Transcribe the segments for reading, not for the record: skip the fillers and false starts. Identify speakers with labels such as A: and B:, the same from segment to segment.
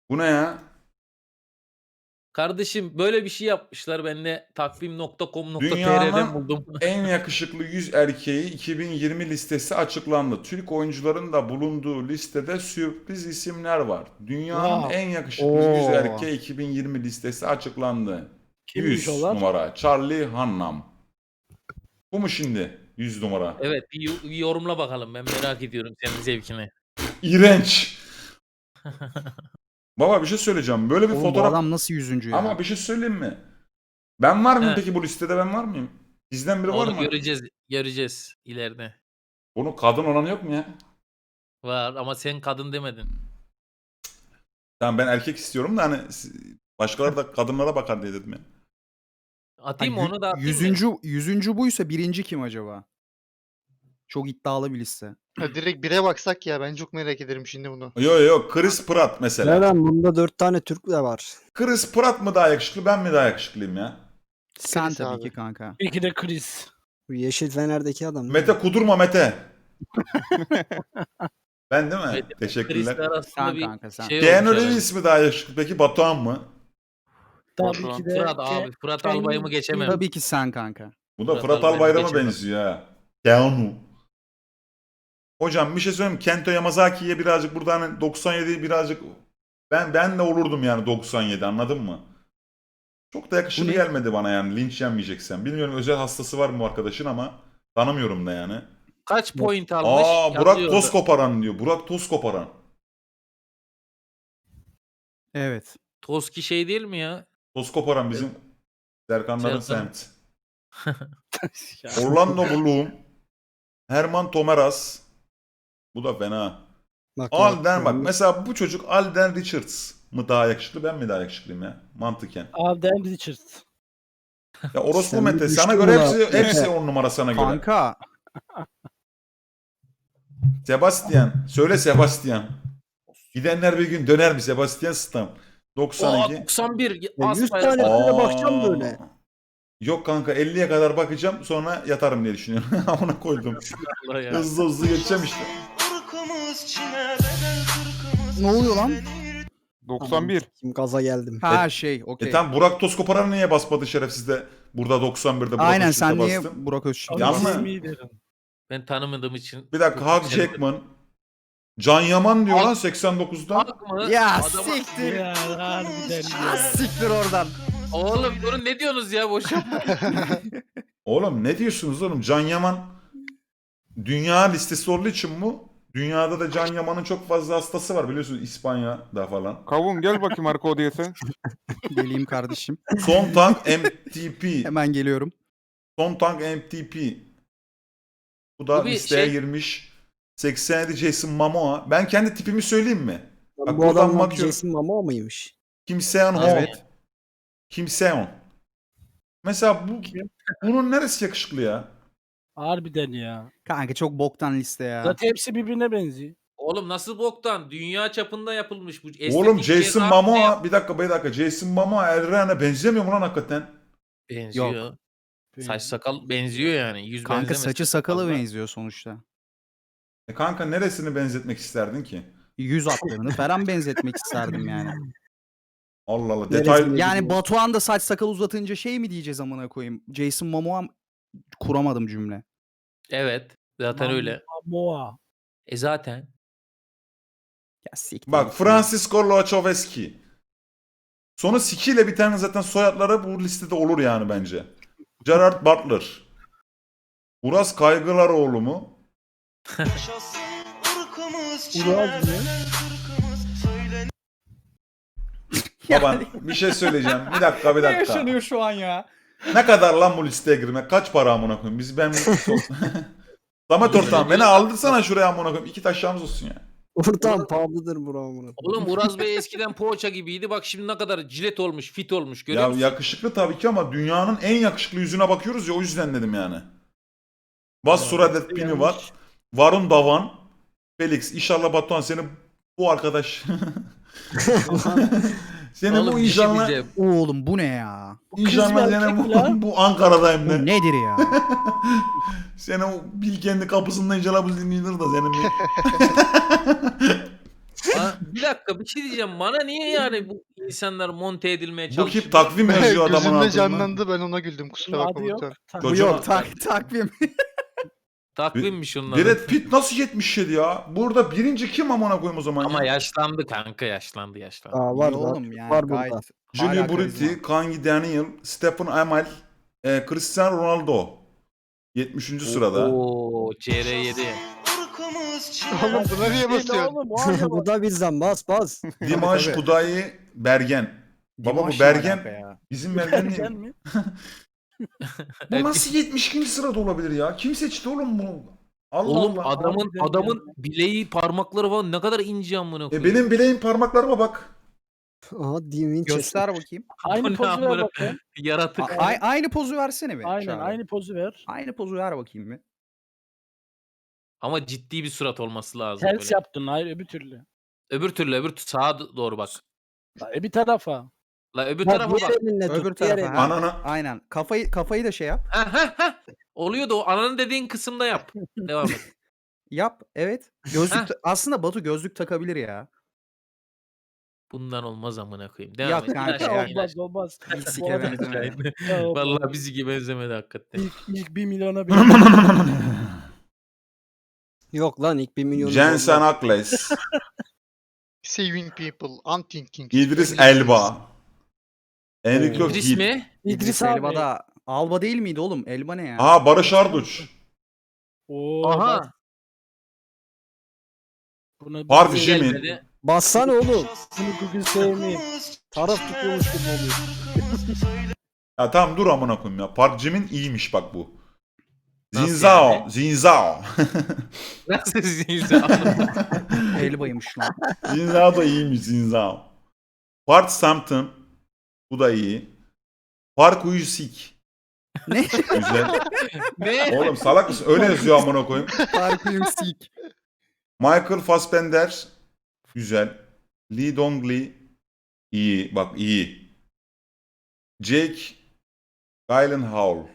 A: Bu ne ya?
B: Kardeşim böyle bir şey yapmışlar. Ben de takvim.com.tr'den
A: Dünyanın
B: buldum.
A: en yakışıklı 100 erkeği 2020 listesi açıklandı. Türk oyuncuların da bulunduğu listede sürpriz isimler var. Dünyanın
C: Wow.
A: en yakışıklı 100
D: Oo.
A: erkeği 2020 listesi açıklandı.
C: Kimmiş
A: 100
C: onlar?
A: numara Charlie Hunnam. Bu mu şimdi 100 numara?
B: Evet bir yorumla bakalım. Ben merak ediyorum senin zevkini.
A: İğrenç. Baba bir şey söyleyeceğim. Böyle bir
D: Oğlum bu
A: fotoğraf...
D: adam nasıl 100. ya?
A: Ama bir şey söyleyeyim mi? Ben var mıyım
B: He.
A: peki bu listede, ben var mıyım? Bizden biri var
B: Onu
A: mı?
B: göreceğiz ileride.
A: Bunun kadın olanı yok mu ya?
B: Var ama sen kadın demedin.
A: Tamam ben erkek istiyorum da hani başkaları da kadınlara bakar diye dedim ya.
B: Atayım mı onu da atayım mı?
D: 100. buysa birinci kim acaba? Çok iddialı bir liste.
E: Ha, direkt bire baksak ya, ben çok merak ederim şimdi bunu.
A: Yok Chris Pratt mesela.
C: Neden? Bunda 4 tane Türk de var.
A: Chris Pratt mı daha yakışıklı, ben mi daha yakışıklıyım ya?
D: Sen
E: Chris
D: tabii
E: abi.
D: ki kanka.
C: İki de Chris. Bu Yeşil Fener'deki adam.
A: Mete kudurma Mete. Ben değil mi?
B: Mete, Chris'le
A: Teşekkürler.
B: arasında
D: Sen
B: bir
D: kanka, sen.
B: şey
A: Keanu
B: olmuş herhalde.
A: Reeves mi daha yakışıklı peki, Batuhan mı?
C: Tabii ki de.
B: Fırat abi. Fırat Albay'ımı geçemem.
D: Tabii ki sen kanka.
A: Bu da
B: Fırat
A: Fırat
B: Albayram'a
A: Albayram'a
B: geçemem.
A: benziyor ha. Keanu. Hocam bir şey söyleyeyim mi? Kento Yamazaki'ye birazcık burada hani 97'yi birazcık ben de olurdum yani 97, anladın mı? Çok da yakışıklı
D: Bu ne?
A: gelmedi bana yani, linç yenmeyeceksen. Bilmiyorum özel hastası var mı bu arkadaşın ama tanımıyorum da yani.
B: Kaç point almış?
A: Burak
B: Yazıyordu.
A: toz koparan diyor. Burak toz koparan.
D: Evet.
B: Toski şey değil mi ya?
A: Toz koparan bizim Serkanların
B: Serkan.
A: semt.
C: Ya.
A: Orlando Bloom. Herman Tomeras. Bu da fena.
C: Bak,
A: Alden bak mesela bu çocuk Alden Richards mı daha yakışıklı, ben mi daha yakışıklıyım ya mantıken.
C: Alden Richards.
A: Ya orospu
C: Sen
A: Mete
C: bir
A: sana
C: düştün
A: göre
C: buna.
A: hepsi 10 numara sana göre.
D: Kanka.
A: Sebastian. Söyle Sebastian. Gidenler bir gün döner mi Sebastian Stam? 92.
B: 91.
C: Ya 100
B: Asfalt.
C: tane
A: Aa.
C: böyle bakacağım böyle.
A: Yok kanka 50'ye kadar bakacağım sonra yatarım diye düşünüyorum. Ona koydum.
B: Allah ya.
A: Hızlı geçeceğim işte.
D: Ne oluyor lan?
F: 91.
C: Kim gaza geldim.
D: Ha şey okey.
A: Tam Burak Tozkoparan niye basmadı şerefsiz de burada 91'de Burak
D: Aynen,
A: Özçivit'e
D: sen niye
A: bastın?
D: Burak Özçivit'e
A: Yanlış.
D: bastın?
C: İsmi derim.
B: Ben tanımadığım için.
A: Bir dakika Hugh Jackman. Can Yaman diyor lan 89'dan.
B: Hak mı?
D: Ya
B: Adama-
D: siktir.
C: Ya harbiden
D: Ya
C: ya.
D: siktir oradan.
B: Oğlum durun ne diyorsunuz ya boşa?
A: Oğlum ne diyorsunuz oğlum? Can Yaman dünya listesi olduğu için bu. Dünyada da Can Yaman'ın çok fazla hastası var biliyorsunuz, İspanya'da falan.
F: Kavun gel bakayım arka odaya sen.
D: Geleyim kardeşim.
A: Son Tank MTP.
D: Hemen geliyorum.
A: Son Tank MTP. Bu da
B: Bu bir
A: listeye
B: şey-
A: girmiş. 87 Jason Momoa. Ben kendi tipimi söyleyeyim mi? Bak
C: Bu
A: buradan
C: adam
A: bakıyorum.
C: Jason Momoa mıymış?
A: Kim Seon Ho.
D: Evet.
A: Kim Seon. Mesela bunun neresi yakışıklı ya?
C: Harbiden ya.
D: Kanka çok boktan liste ya.
C: Zaten hepsi birbirine benziyor.
B: Oğlum nasıl boktan? Dünya çapında yapılmış bu.
A: Oğlum
B: estetik
A: Jason
B: cerrahi
A: Momoa bir dakika Jason Momoa Erren'e benzemiyor mu lan hakikaten?
B: benziyor. Saç sakal benziyor yani. Yüz
D: Kanka
B: benzemez.
D: saçı sakalı
B: Fazla.
D: benziyor sonuçta.
A: Kanka neresini benzetmek isterdin ki?
D: Yüz hatlarını falan benzetmek isterdim yani.
A: Allah Allah
C: Neresini-
A: detay.
D: Yani Batuhan da saç sakal uzatınca şey mi diyeceğiz amına koyayım? Jason Momoa kuramadım cümle.
B: Evet. Zaten öyle.
C: Momoa.
B: Zaten.
D: Ya siktir.
A: Bak
D: git.
A: Francisco Lachowski. Sonu Siki ile biten zaten soyadları bu listede olur yani bence. Gerard Butler. Uras Kaygılaroğlu mu?
C: Uraz mı?
A: Baban bir şey söyleyeceğim. Bir dakika.
D: Ne yaşanıyor şu an ya?
A: Ne kadar lan bu listeye girmek? Kaç para amına koyayım? Samet ortağım beni aldırsana şuraya amına koyayım. 2 taşlarımız olsun ya.
C: Oradan pahalıdır buramın.
B: Oğlum Uraz Bey eskiden poğaça gibiydi. Bak şimdi ne kadar cilet olmuş, fit olmuş. Görüyor
A: Ya
B: musun?
A: yakışıklı tabii ki ama dünyanın en yakışıklı yüzüne bakıyoruz ya, o yüzden dedim yani. Bas Suradet Pini var. Varun Davan. Felix. İnşallah Batuhan seni bu arkadaş. Seni
B: Oğlum
A: bu
B: bir şey
A: inşallah.
B: diyeceğim.
D: Oğlum bu ne ya?
A: İnşallah
C: kız mı,
A: seni
C: erkek mi lan?
A: bu Ankara'dayım
D: Bu
A: de.
D: nedir ya?
A: Seni o Bilkendi kapısında inşallah bu dinlenir de senin bir.
B: bir dakika bir şey diyeceğim. Bana niye yani bu insanlar monte edilmeye
A: Bu
B: çalışıyor?
A: kim takvim yazıyor adamın
E: Gözümde
A: altında.
E: canlandı ben ona güldüm kusura
C: Bunun
E: bakma
C: adı yok.
E: Batuhan.
D: Bu
A: Kocaman.
D: yok takvim.
B: Takvimmiş onun adı.
A: Brad Pitt nasıl 77 ya? Burada birinci kim amına koyayım o zaman
B: Ama
A: ya?
B: yaşlandı kanka yaşlandı.
C: Aa, var
D: İyi
C: var.
D: oğlum yani
C: var
D: gayet.
C: burada.
A: Junior
D: hala karizma.
A: Brutti, Kangi Daniel, Stephen Amell, Cristiano Ronaldo. 70. sırada.
B: Oo CR7.
E: Oğlum buna niye
C: Ne
E: basıyorsun?
C: oğlum o aynı
G: Bu da bizden bas.
A: Dimash
D: Tabii.
A: Kudayi Bergen. Baba
D: Dimash
A: bu
D: ne
A: Bergen
D: alaka ya?
A: bizim Bergen
C: Bergen
A: değil.
C: mi?
A: Bu nasıl 72. sırada olabilir ya? Kim seçti oğlum bunu? Allah
B: Oğlum
A: Allah.
B: adamın bileği parmakları falan ne kadar ince amına koyayım.
A: Benim bileğim parmaklarıma bak.
G: Aha Dean Winchester.
D: Göster bakayım.
B: Bu
C: Aynı
B: ne
C: pozu ver
B: amına-
C: bakayım.
B: Yaratık.
D: Aynı pozu versene bir.
C: Aynen
D: Çağrı.
C: aynı pozu ver.
D: Aynı pozu ver bakayım bir.
B: Ama ciddi bir surat olması lazım
C: Ters
B: böyle.
C: yaptın hayır öbür türlü.
B: Öbür sağa doğru bak.
C: Bir tarafa.
B: La öbür
G: Bak,
B: tarafa bak.
G: diğer elinle
D: Öbür
G: tut. Diğer
D: tarafa.
G: elinle.
D: Ha,
A: Anana.
D: aynen. Kafayı da şey yap.
B: Ha. Oluyor da o ananın dediğin kısımda yap. Devam et.
D: Yap. Evet.
B: Heh.
D: Aslında Batu gözlük takabilir ya.
B: Bundan olmaz amına koyayım. Devam
D: Yok
B: et. İn
D: kanka,
B: aşağı,
D: yani.
B: in
C: Olmaz
B: aşağı.
C: olmaz.
D: Bir
C: Bu
D: sike
C: arada-
D: benzemedi.
C: Ya,
B: Vallahi bizi gibi benzemedi hakikaten.
C: İlk 1 milyona bir.
G: Yok lan ilk 1 milyon.
A: Jensen Ackles,
E: Saving people, unthinking.
A: İdris Elba, Enrico
B: İdris
A: Gil.
B: mi?
C: İdris
D: Elba
C: abi.
D: da Alba değil miydi oğlum? Elba ne ya?
A: Aa Barış Arduç,
C: Oo,
B: Aha.
C: bak, buna
A: Harbi
C: bir-
A: Jimin.
B: Gelmedi.
G: Bassana oğlum.
C: Bunu Google sevmeyeyim. Taraf tutuyormuş gibi oluyor.
A: Ya tamam dur amına koyayım ya. Park Jim'in iyiymiş bak bu.
B: Nasıl
A: Zinzao,
B: yani?
A: Zinzao.
B: Nasıl zinzao?
D: Elbaymış lan.
A: Zinzao da iyiymiş Zinzao. Park Sampton. Bu da iyi. Park Uyusik.
D: Ne?
A: Güzel.
B: Ne?
A: Oğlum salak mısın? Öyle yazıyor amına koyayım.
D: Parkıyım sik.
A: Michael Fassbender. Güzel. Lee Dong-lee. İyi. Bak iyi. Jake Gyllenhaal.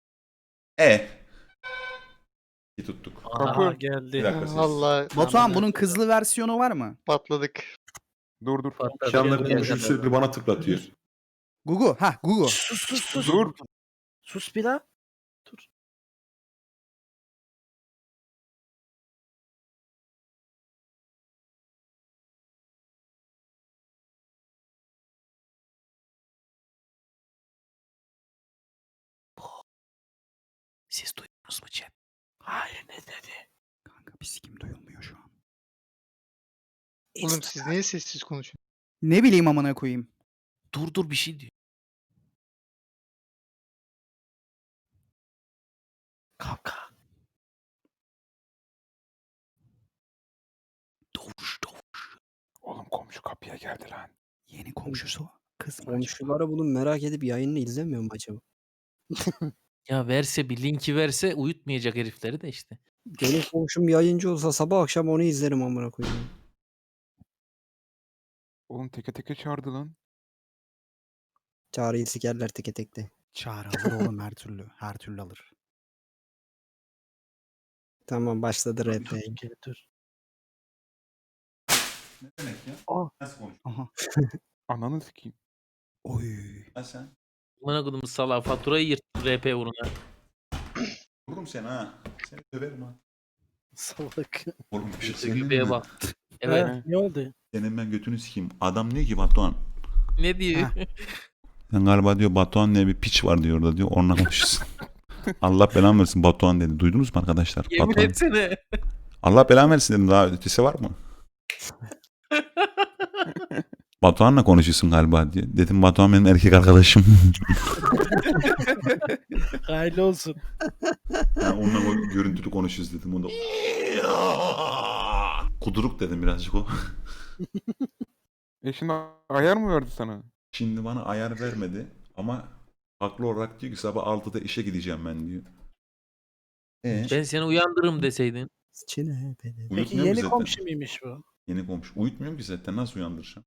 A: İyi tuttuk.
C: Aha
A: Bir
C: geldi.
A: dakika siz.
E: Valla
D: Batuhan bunun kızlı versiyonu var mı?
E: patladık.
F: Dur.
A: Şanları konuşuyor sürekli bana tıklatıyor.
D: Gugu. Ha Gugu.
C: Sus.
F: Dur.
C: Sus bir daha. Dur.
D: Siz duydunuz mu chat?
C: Hayır ne dedi?
D: Kanka bir sikim duyulmuyor şu an.
E: Oğlum siz niye sessiz konuşuyorsunuz?
D: Ne bileyim amına koyayım.
B: Dur bir şey diyor.
C: Kavga.
D: Doğuş.
F: Oğlum komşu kapıya geldi lan.
D: Yeni komşusu kız mı acaba?
G: Komşulara bunu merak edip yayını izlemiyor mu acaba?
B: Ya verse bir linki verse uyutmayacak herifleri de işte.
G: Benim komşum yayıncı olsa sabah akşam onu izlerim amına koyayım.
F: Oğlum teke çağırdı lan.
G: Çağrı'yı sikerler teke tekte.
D: Çağrı alır oğlum her türlü. Her türlü alır.
G: Tamam başladı rap.
C: Gel dur.
A: Ne demek ya?
C: Aa.
A: Nasıl konuşuyor?
D: Aha.
F: Ananı sikeyim.
D: Oy.
A: Ha sen?
B: Amına kodum salağa faturayı yırttı RP uğruna.
A: Vururum seni ha. Seni döverim ha.
C: Salak.
A: Oğlum bir şey
B: İşte
A: söyleyeyim
B: göbeğe
A: mi?
B: bak. Evet.
C: Ha, ne oldu?
A: Senin ben götünü sikeyim. Adam diyor ki Batuhan.
B: Ne diyor?
A: Sen galiba diyor Batuhan diye bir piç var diyor orada diyor. Onunla konuşuyorsun. Allah belanı versin Batuhan dedi. Duydunuz mu arkadaşlar?
B: Yemin
A: Batuhan.
B: etsene.
A: Allah belanı versin dedim. Daha ötesi var mı? Batuhan'la konuşuyorsun galiba diye. Dedim Batuhan benim erkek arkadaşım.
C: Hayırlı olsun.
A: Yani onunla görüntülü konuşuyoruz dedim. O da kuduruk dedim birazcık o.
F: Şimdi ayar mı verdi sana?
A: Şimdi bana ayar vermedi ama haklı olarak diyor ki sabah 6'da işe gideceğim ben diyor.
B: Ben seni uyandırırım deseydin.
G: Çine beni.
C: Peki
A: Uyutmuyor ki
C: yeni
A: zaten.
C: komşu muymuş bu?
A: Yeni komşu. Uyutmuyorum ki zaten. Nasıl uyandıracağım?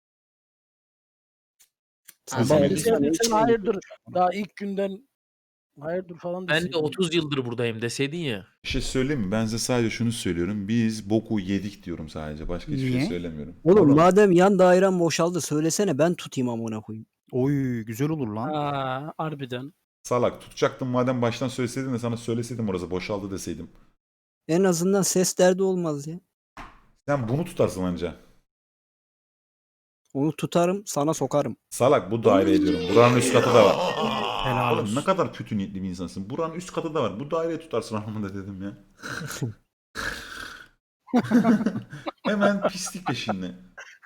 B: Sabah
A: Sabah
C: Sen,
A: yedi.
C: sen hayır dur. Daha ilk günden Hayırdır falan
B: Ben de
C: deseydin.
B: 30 yıldır buradayım deseydin ya.
A: Bir şey söyleyeyim mi? Ben size sadece şunu söylüyorum. Biz boku yedik diyorum sadece. Başka hiçbir şey
D: Niye?
A: söylemiyorum.
G: Oğlum madem yan dairem boşaldı söylesene ben tutayım amına koyayım.
D: Oy güzel olur lan.
C: Aa, harbiden.
A: Salak tutacaktım madem baştan söyleseydin de sana söyleseydim orası boşaldı deseydim.
G: En azından ses derdi olmaz ya.
A: Sen bunu tutarsın anca.
G: Onu tutarım sana sokarım.
A: Salak bu daire ediyorum. Buranın üst katı da var.
D: Helal
A: Oğlum
D: olsun.
A: ne kadar kötü niyetli bir insansın. Buranın üst katı da var. Bu daireyi tutarsın anlamında dedim ya. Hemen pislik peşinde.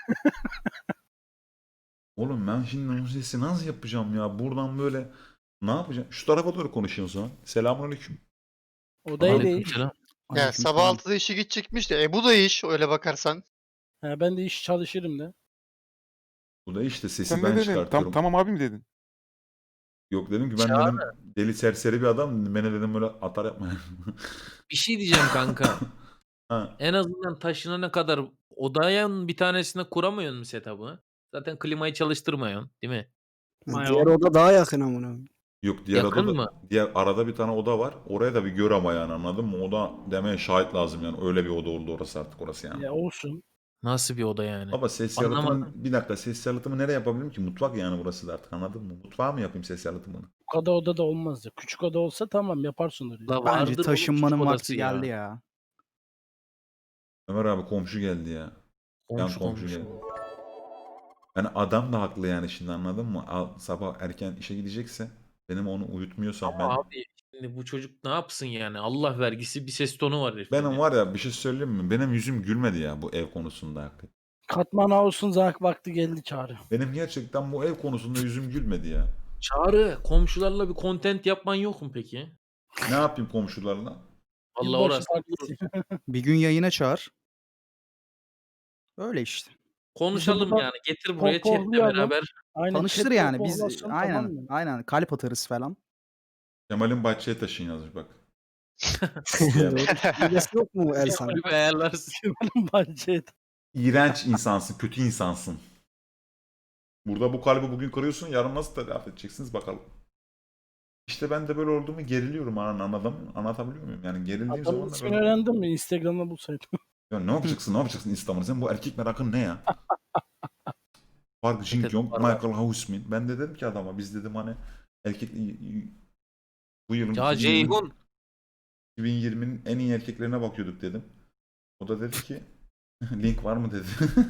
A: Oğlum ben şimdi bu sesi nasıl yapacağım ya? Buradan böyle ne yapacağım? Şu tarafa doğru konuşuyorsun o zaman. Selamünaleyküm.
C: Odayı değil.
B: Aleykümselam.
E: Ya sabah 6'da işe gidecekmiş de bu da iş öyle bakarsan.
C: Ha, ben de iş çalışırım da.
A: Bu da işte sesi
F: Sen
A: ben
F: ne dedin?
A: çıkartıyorum.
F: Tamam abi mi dedin?
A: Yok dedim ki ben dedim deli serseri bir adam. Beni dedim böyle atar yapma.
B: Bir şey diyeceğim kanka.
A: Ha.
B: En azından taşınana kadar odanın bir tanesine kuramıyorsun mu setup'ı? Zaten klimayı çalıştırmıyorsun değil mi?
C: Vay
G: Diğer
C: oğlum.
G: oda daha yakın amına koyayım.
A: Yok diğer
B: Yakın
A: oda da,
B: mı?
A: diğer arada bir tane oda var. Oraya da bir gör ama yani anladın mı? Oda demeye şahit lazım yani. Öyle bir oda oldu orası artık orası yani.
C: Ya olsun.
B: Nasıl bir oda yani?
A: Baba ses
B: Anlamadım.
A: yalıtımı bir dakika ses yalıtımı nereye yapabilirim ki? Mutfak yani burası da artık anladın mı? Mutfağa mı yapayım ses yalıtımını?
C: Bu kadar oda da olmaz ya. Küçük oda olsa tamam yaparsın orayı.
B: La
D: Bence
B: vardır oğlum
D: taşınmanın
B: küçük
D: vakti
B: odası ya.
D: geldi ya.
A: Ömer abi komşu geldi ya.
B: Komşu
A: komşu
B: komşu.
A: geldi. Yani adam da haklı yani şimdi anladın mı? Sabah erken işe gidecekse benim onu uyutmuyorsam ben...
B: Ama abi şimdi bu çocuk ne yapsın yani? Allah vergisi bir ses tonu var herifin
A: Benim
B: ya.
A: var ya bir şey söyleyeyim mi? Benim yüzüm gülmedi ya bu ev konusunda hakikaten.
C: Katman House'un vakti geldi Çağrı.
A: Benim gerçekten bu ev konusunda yüzüm gülmedi ya.
B: Çağrı komşularla bir content yapman yok mu peki?
A: Ne yapayım komşularla?
B: Allah
C: Yılbaşı
B: orası.
C: partisi.
D: Bir gün yayına çağır. Öyle işte.
B: Konuşalım
C: burada
B: yani. Getir buraya chatle
C: pohpohlayalım.
B: beraber.
C: Aynen,
D: Tanıştır
C: chatte
D: yani biz
C: pohlasın,
D: aynen
C: tamam mı?
D: aynen kalp atarız falan.
A: Kemal'in bahçeye taşın yazmış bak.
G: Hilesi yok mu Elsan?
B: Bir ayarlarsın.
C: Bence
A: İğrenç insansın, kötü insansın. Burada bu kalbi bugün kırıyorsun, yarın nasıl telafi edeceksiniz bakalım. İşte ben de böyle olduğumu geriliyorum anladın mı? Anlatabiliyor muyum? Yani gerildiğim
C: adamın
A: zaman da
C: ismini
A: böyle...
C: öğrendin mi? Instagram'da bulsaydın.
A: Ya ne yapacaksın, ne yapacaksın İstanbul'da? Sen bu erkek merakın ne ya? Park Jin
B: Evet,
A: Kyung,
B: var, var.
A: Michael Houseman. Ben de dedim ki adama, biz dedim hani erkek... Bu yılın
B: Ya Ceyhun.
A: 2020'nin en iyi erkeklerine bakıyorduk dedim. O da dedi ki link var mı dedi.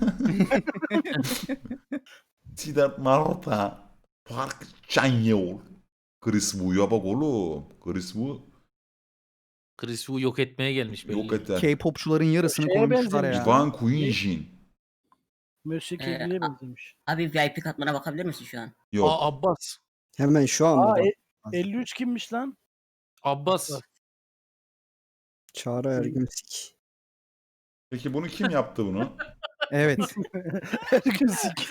A: Siddharth Malhotra, Park Chan-yeol, Chris Wu'ya bak oğlum. Chris Wu
B: Chris Wu yok etmeye gelmiş belli.
A: yok eder.
D: K-popçuların yarısını
C: Şeye
D: koymuşlar
C: benzemiş
D: ya.
A: Van Quinjin.
C: Mösyö
H: Ee,
C: Kegli'ye benzemiş.
H: Abi VIP katmana bakabilir misin şu an?
A: Yok.
B: Aa Abbas.
G: Hemen şu an
C: Aa,
G: mı?
C: 53 kimmiş lan?
B: Abbas.
G: Çağrı Ergünsik.
A: Peki bunu kim yaptı bunu?
D: Evet.
C: Ergünsik.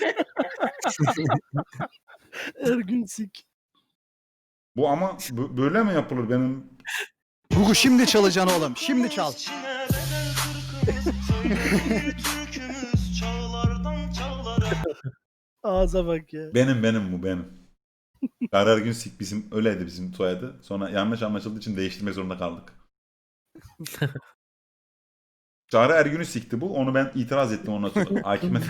C: Ergünsik.
A: Bu ama böyle mi yapılır benim?
D: Gugu şimdi çalacaksın oğlum. Şimdi çal.
C: Ağza bak ya.
A: Benim bu benim. Karar Günsik bizim öyleydi bizim soyadı. Sonra yanlış anlaşıldığı için değiştirmek zorunda kaldık. Çağrı Ergün'ü sikti bu. Onu ben itiraz ettim ondan sonra. Hakime.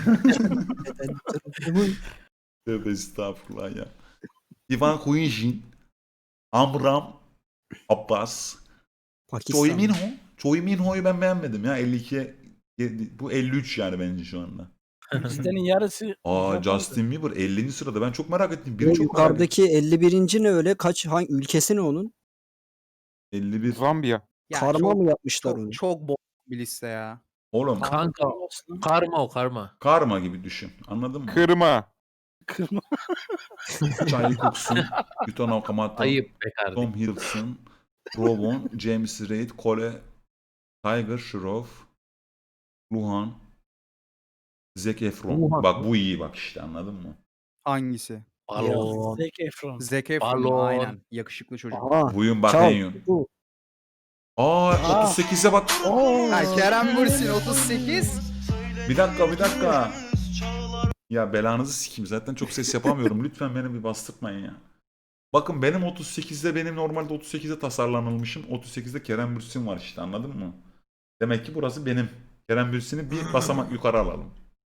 A: Tövbe estağfurullah ya. Ivan Kuyinjin, Amram, Abbas, Choi
G: Pakistan.
A: Minho. Choi Minho'yu ben beğenmedim ya. 52'ye bu 53 yani bence şu anda.
C: Listenin yarısı.
A: Aa Justin Bieber 50. sırada. Ben çok merak ettim.
G: O
A: Biri çok merak ettim.
G: yukarıdaki 51. ne öyle? Hangi ülkesi ne onun?
A: 51.
F: Zambiya.
D: Ya
G: Karma
D: çok,
G: mı yapmışlar onu?
D: çok bol bir liste ya.
A: Oğlum
B: Kanka karma o karma.
A: karma gibi düşün. Anladın mı?
F: Kırma.
C: Kırma.
A: Çay Cookson, Yutan Okamoto,
B: Ayıp be kardeşim.
A: Tom Hiddleston, Rovon, James Reid, Cole, Tiger Shroff, Luhan, Zac Efron.
B: Luhan.
A: Bak bu iyi bak işte anladın mı?
D: Hangisi?
B: Balon.
C: Zac Efron.
D: Zac Efron
B: Balon.
D: aynen. Yakışıklı çocuk.
G: Aha.
A: Buyun
G: Çal.
A: bakayım.
G: Bu.
A: Aa 38'e bak.
D: Ha, Kerem Bürsin 38.
A: Bir dakika. Ya belanızı sikeyim zaten çok ses yapamıyorum. Lütfen beni bir bastırmayın ya. Bakın benim 38'de benim normalde 38'de tasarlanılmışım. 38'de Kerem Bürsin var işte anladın mı? Demek ki burası benim. Kerem Bürsin'i bir basamak yukarı alalım.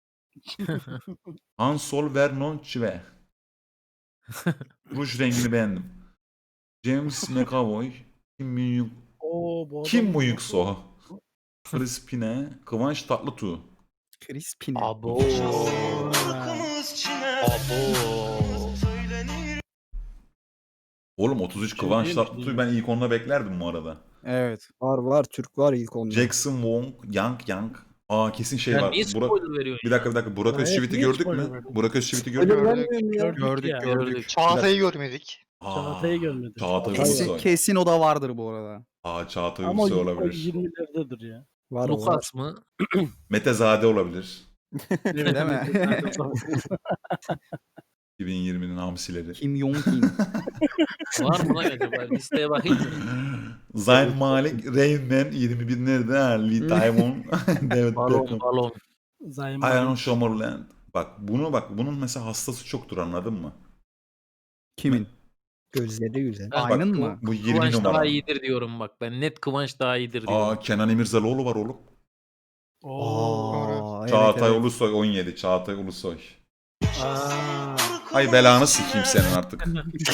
A: Hansol Vernon Chive. Ruj rengini beğendim. James McAvoy.
C: Oo, bu adam
A: Kim bu Yükso? Crispine. Kıvanç Tatlıtuğ.
D: Crispine.
B: Abo.
A: Oğlum 33 Kıvanç
C: değil mi?
A: Tatlıtuğ'u ben ilk onda beklerdim bu arada.
D: Evet.
G: Var Türk var ilk onda.
A: Jackson Wong, Yang. Aa kesin şey
B: Sen
A: var.
B: niye spoiler veriyorsun
A: Bir dakika. Burak
C: Evet,
A: Özçivit'i
C: niye
A: gördük
C: spoiler
A: mü?
C: verdin?
A: Burak Özçivit'i gördük
G: Öyle
A: mü?
G: vermiyorum ya.
C: Gördük ya.
D: Gördük.
E: Çağatay'ı görmedik.
A: Aa,
C: Çağatay'ı görmedik.
A: Çağatay
D: Kesin,
A: Ulusoy.
D: kesin o da vardır bu arada.
A: Aa Çağatay
C: Ama
A: Ulusoy
C: o
A: olabilir.
C: 20'lerdedir ya.
G: Var o var.
B: Lukas mı?
A: Mete Zade olabilir.
C: Evet,
D: Değil mi?
C: evet.
A: 2020'nin hamsileri.
D: Kim Jong-un.
B: Var mı lan acaba? Listeye bakayım mı?
A: Zayn Malik, Rain Man 21 nerede? Ha, Lee Taiwan, David
B: Balon
A: Beckham.
B: balon.
C: Zayman.
A: Aaron Summerland. Bunun mesela hastası çoktur anladın mı?
D: Kimin?
G: Gözleri güzel.
B: Ha,
D: Aynın
A: bak,
D: mı?
A: Bu 20
B: Kıvanç
A: numara.
B: daha iyidir diyorum bak. Ben net Kıvanç daha iyidir diyorum.
A: Aa Kenan İmirzalıoğlu var oğlum.
C: Oo.
D: Aa,
A: Çağatay
D: evet.
A: Ulusoy 17. Çağatay Ulusoy.
C: Aa.
A: Ay belanı sikeyim senin artık.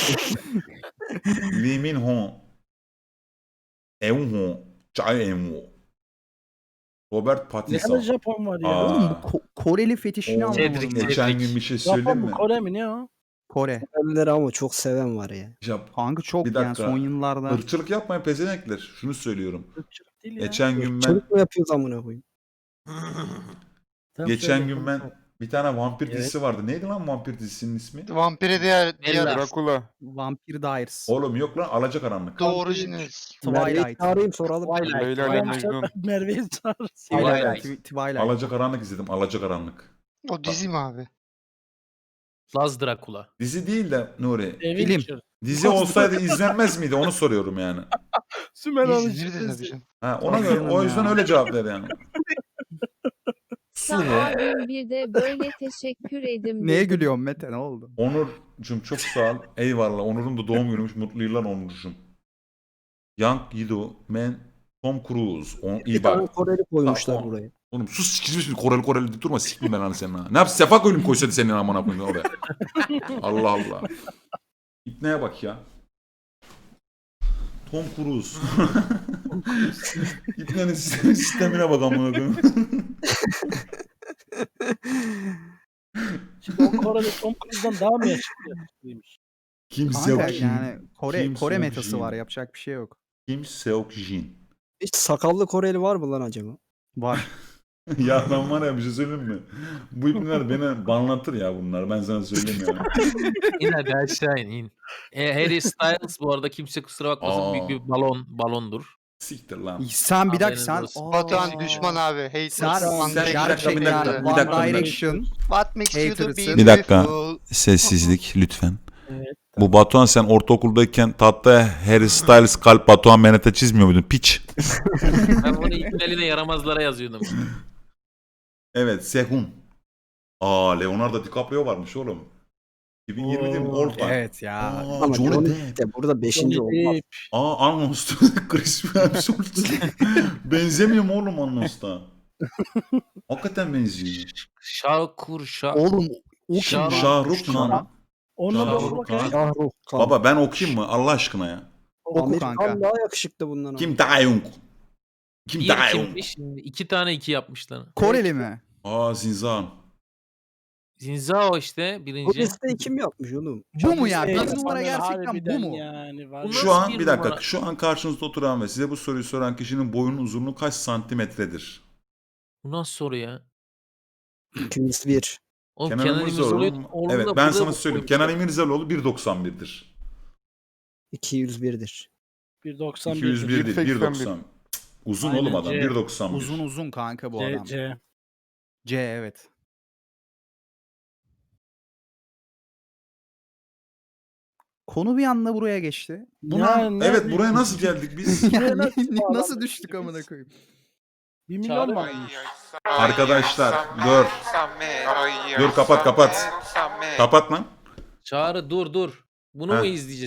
A: Lee Min Ho. Eun-ho. Chae Eun-ho. Robert
C: Ne
A: Pattinson.
C: kadar Japon var ya.
A: Aa.
D: Oğlum bu Koreli fetişini
A: Oo,
D: anlamadım.
B: Cedric,
D: ben.
A: Geçen gün bir şey söyleyeyim
C: Japon mu
A: mi?
C: Kore mi ne o?
D: Kore.
G: Sevenleri ama çok seven var ya.
D: Kanka çok
A: Bir
D: yani
A: dakika.
D: son yıllarda.
A: Irkçılık yapmayın pezenekler. Şunu söylüyorum.
C: Irkçılık değil ya.
A: Geçen gün ben
G: Çocuk mu yapıyoruz amına koyayım?
C: Sen
A: geçen
C: söyle.
A: gün ben bir tane vampir
C: Evet.
A: dizisi vardı. Neydi lan vampir dizisinin ismi?
E: Vampire diğer
B: Eller.
F: Dracula.
D: Vampire Diaries.
A: Oğlum yok lan Alacakaranlık.
E: The Originals.
G: Merve'yi
D: Twilight.
G: çağırayım soralım.
B: Twilight.
F: Leyla ile
C: Twilight.
F: Mecnun.
C: Merve'yi çağır.
B: Twilight.
D: Twilight.
A: Alacakaranlık izledim. Alacakaranlık.
E: O dizi mi abi?
B: Laz Dracula.
A: Dizi değil de Nuri.
C: Evin
D: Film.
C: içi.
A: Dizi olsaydı izlenmez miydi? Onu soruyorum yani.
C: Sümer Hanım
E: İzlenir de tabii
C: çıkması.
E: canım.
A: Ha, ona
D: Tabii
A: göre,
D: canım
A: o yüzden
D: ya.
A: öyle cevap ver yani.
I: Sağ olun bir de böyle teşekkür edim.
D: Neye
I: dedim.
D: gülüyorsun Mete ne oldu?
A: Onur'cum çok sağ ol. Eyvallah. Onur'un da doğum günüymüş. Mutlu yıllar Onur'cum. Young Yido, Man, Tom Cruise. İyi
G: Bir tane
A: bak.
G: Koreli koymuşlar
A: Tamam.
G: buraya.
A: Oğlum sus sikilmiş bir Koreli deyip durma siktim ben lan senin ha. Ne yapsın Sefa koyayım koysaydı senin amına koyayım oraya. Allah Allah. İpneye bak ya. Tom Cruise. İpnenin sistemine bak amına koyayım.
C: Şimdi o Koreli Tom Cruise'dan daha mı yakışıklıymış?
A: Kim
D: Kanka
A: Seok Jin.
D: yani Kore
A: Kim
D: Kore
A: Seok
D: metası
A: Jin.
D: var yapacak bir şey yok.
A: Kim Seok Jin.
G: Hiç sakallı Koreli var mı lan acaba?
D: Var.
A: Ya ben var ya bir şey söyleyeyim mi? Bu ipneler beni banlatır ya bunlar. Ben sana söyleyeyim yani.
B: İn hadi aşağı in. Harry Styles bu arada kimse kusura bakmasın
A: Aa.
B: büyük bir balondur.
A: Siktir lan.
D: Sen bir dakika
B: Haberiniz
D: sen.
B: olsun.
E: Batuhan düşman abi. Haters.
D: Sen
E: Unbreakable.
A: bir dakika, bir
D: One
A: dakika.
D: Direction.
E: What makes you the
D: Haters'ın.
A: Bir dakika.
E: beautiful?
A: Sessizlik lütfen.
C: Evet.
A: Bu Batuhan sen ortaokuldayken tahta Harry Styles kalp Batuhan Menete çizmiyor muydun? Piç.
B: Ben onu ipneline yaramazlara yazıyordum.
A: Evet Sehun. Aa Leonardo DiCaprio varmış oğlum. 2020 değil mi?
C: Oo,
A: Old Time.
D: Evet ya.
A: Aa,
G: Ama
A: Johnny
G: Johnny
A: Depp.
G: Depp de burada 5.
C: Johnny
G: olmaz.
C: Depp.
A: Aa Arnold Chris Hemsworth. Benzemiyor mu oğlum Arnold'a? Hakikaten benziyor.
D: Oğlum o kim?
B: Şah-
A: Şahrukh Khan.
C: Onunla da
A: Şahrukh
C: bakayım.
A: Khan.
G: Şahrukh Khan.
A: Baba ben okuyayım mı Allah aşkına ya?
D: Oku
G: Amerikan
D: kanka.
G: daha yakışıklı bundan. ama.
A: Kim Dae-young? Kim
B: Bir
A: Dae-young?
B: kimmiş? Şimdi 2 tane 2 yapmışlar.
D: Koreli mi?
A: Aa Zinzan.
B: Zinzao işte
G: Bu
B: birinci.
G: listeyi kim yapmış oğlum?
D: Bu mu ya?
C: Çok
D: Bir numara
C: insanlar
D: gerçekten bu
C: harbiden
D: mu?
C: Yani var.
B: Bu
A: Şu
B: nasıl
A: an
B: bir
A: bir dakika.
B: numara?
A: Şu an karşınızda oturan ve size bu soruyu soran kişinin boyunun uzunluğu kaç santimetredir?
B: Bu nasıl soru ya?
G: 201.
B: Oğlum
A: Kenan
B: Kenan
A: İmirzalıoğlu.
B: İmirzalıoğlu
A: Evet
B: da
A: ben
B: burada
A: sana
B: bu
A: söyleyeyim.
B: koymuşlar.
A: Kenan İmirzalıoğlu 1.91'dir.
G: 201'dir.
C: 1.91.
A: 201 değil
F: 1.81.
A: 1.90. Uzun
C: Aynen,
A: oğlum adam
C: C.
A: 1.91.
D: Uzun uzun kanka bu adam.
C: C.
D: C evet. Konu bir anda buraya geçti.
A: Buna, evet buraya nasıl geldik biz?
D: Yani
C: nasıl
D: nasıl
C: bağlandık
D: düştük
C: biz?
D: amına koyayım?
C: 1 milyon mu almış?
A: Arkadaşlar dur. Dur kapat. Kapat lan.
B: Çağrı dur. Bunu
A: Ha.
B: mu izleyeceğiz?